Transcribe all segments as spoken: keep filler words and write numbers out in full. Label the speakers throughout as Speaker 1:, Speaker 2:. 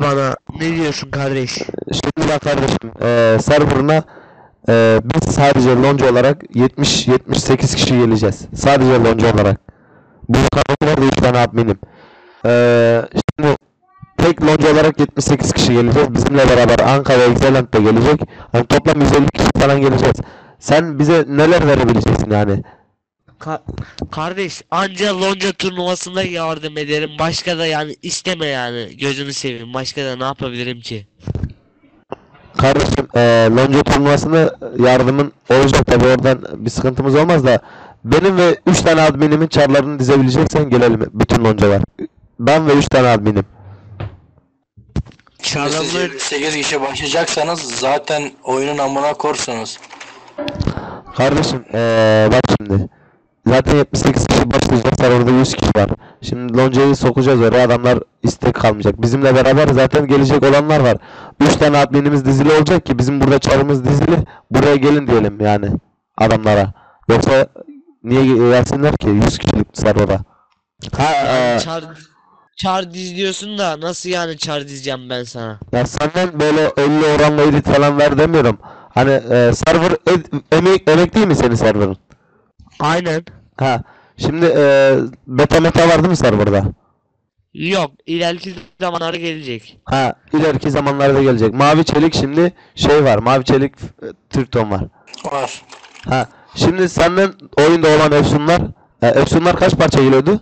Speaker 1: bana. Ne diyorsun kardeş?
Speaker 2: Şimdi bak kardeşim, eee serverına eee biz sadece lonca olarak yetmiş yetmiş sekiz kişi geleceğiz. Sadece lonca olarak. Bu kanalda da üç tane adminim. Eee şimdi tek lonca olarak yetmiş sekiz kişi geleceğiz. Bizimle beraber Anka ve Excellent de gelecek. Hani toplam yüz elli kişi falan geleceğiz. Sen bize neler verebileceksin yani?
Speaker 1: Ka- kardeş anca lonca turnuvasında yardım ederim. Başka da yani isteme yani. Gözünü seveyim. Başka da ne yapabilirim ki?
Speaker 2: Kardeşim eee lonca turnuvasını yardımın olacak tabi, oradan bir sıkıntımız olmaz da benim ve üç tane adminimin çarlarını dizebileceksen gelelim bütün loncalar. Ben ve üç tane adminim.
Speaker 3: Şimdi siz
Speaker 1: Çarlarını
Speaker 3: sekiz kişi başlayacaksanız zaten oyunun amına korsunuz.
Speaker 2: Kardeşim eee bak şimdi. Zaten yetmiş sekiz kişi başlayacağız. Orada yüz kişi var. Şimdi loncayı sokacağız oraya. Adamlar istek kalmayacak. Bizimle beraber zaten gelecek olanlar var. üç tane adminimiz dizili olacak ki bizim burada çarımız dizili. Buraya gelin diyelim yani adamlara. Yoksa niye gelsinler ki yüz kişilik serverda? Ha eee,
Speaker 1: yani çar çar dizliyorsun da nasıl yani çar dizeceğim ben sana?
Speaker 2: ya senden böyle elli oranla edit falan ver demiyorum. Hani eee, server ed- emek, emek değil mi senin serverın?
Speaker 1: Aynen.
Speaker 2: Ha. Şimdi eee beta meta var değil mi serverda?
Speaker 1: Yok, ileriki zamanları gelecek.
Speaker 2: Ha, ileriki zamanlarda gelecek. Mavi çelik şimdi şey var. Mavi çelik e, Türkton var.
Speaker 3: Var.
Speaker 2: Ha, şimdi senden oyunda olan Efsunlar, e, Efsunlar kaç parça geliyordu?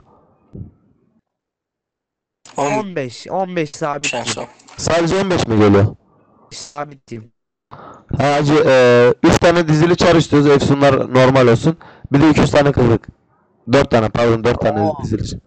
Speaker 3: on
Speaker 1: on beş on beş sabit
Speaker 3: en son.
Speaker 2: Sadece on beş mi geliyor?
Speaker 1: sabit diyeyim.
Speaker 2: Ha hacı, e, üç tane dizili çar istiyoruz. Efsunlar normal olsun. Bir de iki yüz tane kırık. dört tane, pardon, dört tane
Speaker 1: Oo.
Speaker 2: dizili.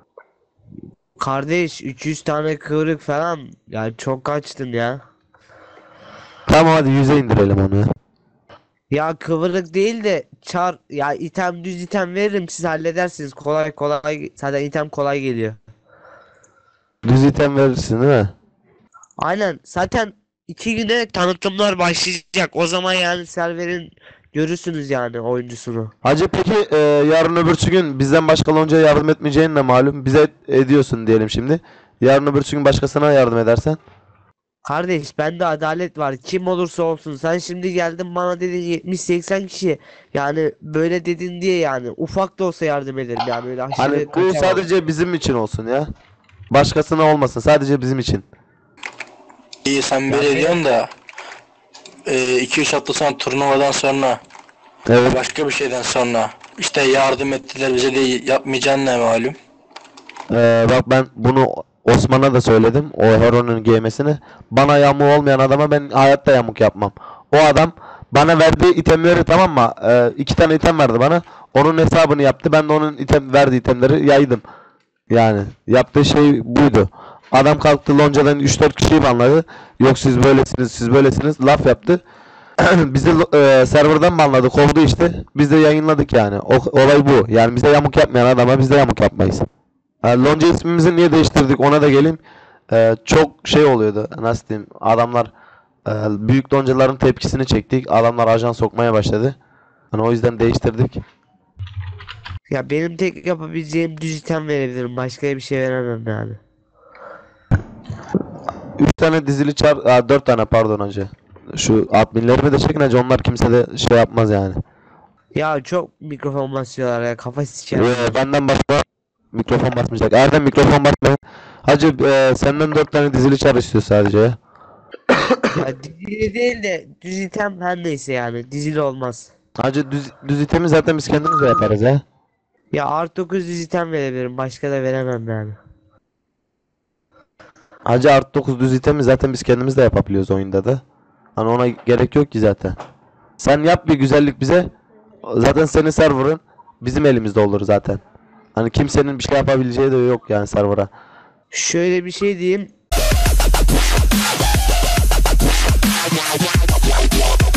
Speaker 1: Kardeş üç yüz tane kıvrık falan yani çok kaçtın ya.
Speaker 2: Tamam, hadi yüze indirelim onu ya.
Speaker 1: Ya kıvırık değil de çar ya item düz item veririm siz halledersiniz kolay kolay zaten item kolay geliyor.
Speaker 2: Düz item verirsin değil mi?
Speaker 1: Aynen zaten iki güne tanıtımlar başlayacak o zaman yani serverin görürsünüz yani oyuncusunu.
Speaker 2: Hacı peki e, yarın öbürsü gün bizden başka loncaya yardım etmeyeceğin de malum. Bize ediyorsun diyelim şimdi. Yarın öbürsü gün başkasına yardım edersen.
Speaker 1: Kardeş bende adalet var kim olursa olsun sen şimdi geldin bana dedin yetmiş seksen kişi yani böyle dedin diye yani ufak da olsa yardım ederim yani öyle aşırı
Speaker 2: Hani bu
Speaker 1: kaçamam.
Speaker 2: sadece bizim için olsun ya. Başkasına olmasın. Sadece bizim için.
Speaker 3: İyi sen böyle
Speaker 1: Yani-
Speaker 3: diyorsun da iki üç hafta sonra turnuvadan sonra
Speaker 2: Evet.
Speaker 3: başka bir şeyden sonra işte yardım ettiler bize de yapmayacağın ne malum.
Speaker 2: Ee, bak ben bunu Osman'a da söyledim. O Heron'un giymesini. Bana yamuğu olmayan adama ben hayatta yamuk yapmam. O adam bana verdiği itemleri, tamam mı? Ee, iki tane item verdi bana. Onun hesabını yaptı. Ben de onun item verdiği itemleri yaydım. Yani yaptığı şey buydu. Adam kalktı loncadan üç dört kişiyi banladı. Yok siz böylesiniz, siz böylesiniz laf yaptı. Bizi e, serverdan banladı, kovdu işte. Biz de yayınladık yani. O, olay bu. Yani bize yamuk yapmayan adama biz de yamuk yapmayız. E, lonca ismimizi niye değiştirdik ona da geleyim. E, çok şey oluyordu. Nasıl diyeyim? Adamlar e, büyük loncaların tepkisini çektik. Adamlar ajan sokmaya başladı. Hani o yüzden değiştirdik.
Speaker 1: Ya benim tek yapabileceğim düz item verebilirim başka bir şey veremem yani.
Speaker 2: üç tane dizili çar, aa, dört tane pardon hacı. Şu adminlerimi de çekin hacı, onlar kimse de şey yapmaz yani.
Speaker 1: Ya çok mikrofon basıyorlar ya kafa siker.
Speaker 2: Ee, benden başka mikrofon basmayacak. Erdem mikrofon basmayın. Hacı e, senden dört tane dizili çar istiyor sadece ya.
Speaker 1: Ya dizili değil de düz item her neyse yani dizili olmaz.
Speaker 2: Hacı düz, düz itemi zaten biz kendimiz de yaparız ya.
Speaker 1: Ya artı dokuz düz item verebilirim başka da veremem yani.
Speaker 2: Hacı artı dokuz düz itemi zaten biz kendimiz de yapabiliyoruz oyunda da. Hani ona gerek yok ki zaten. Sen yap bir güzellik bize. Zaten senin server'ın bizim elimizde olur zaten. Hani kimsenin bir şey yapabileceği de yok yani server'a.
Speaker 1: Şöyle bir şey diyeyim.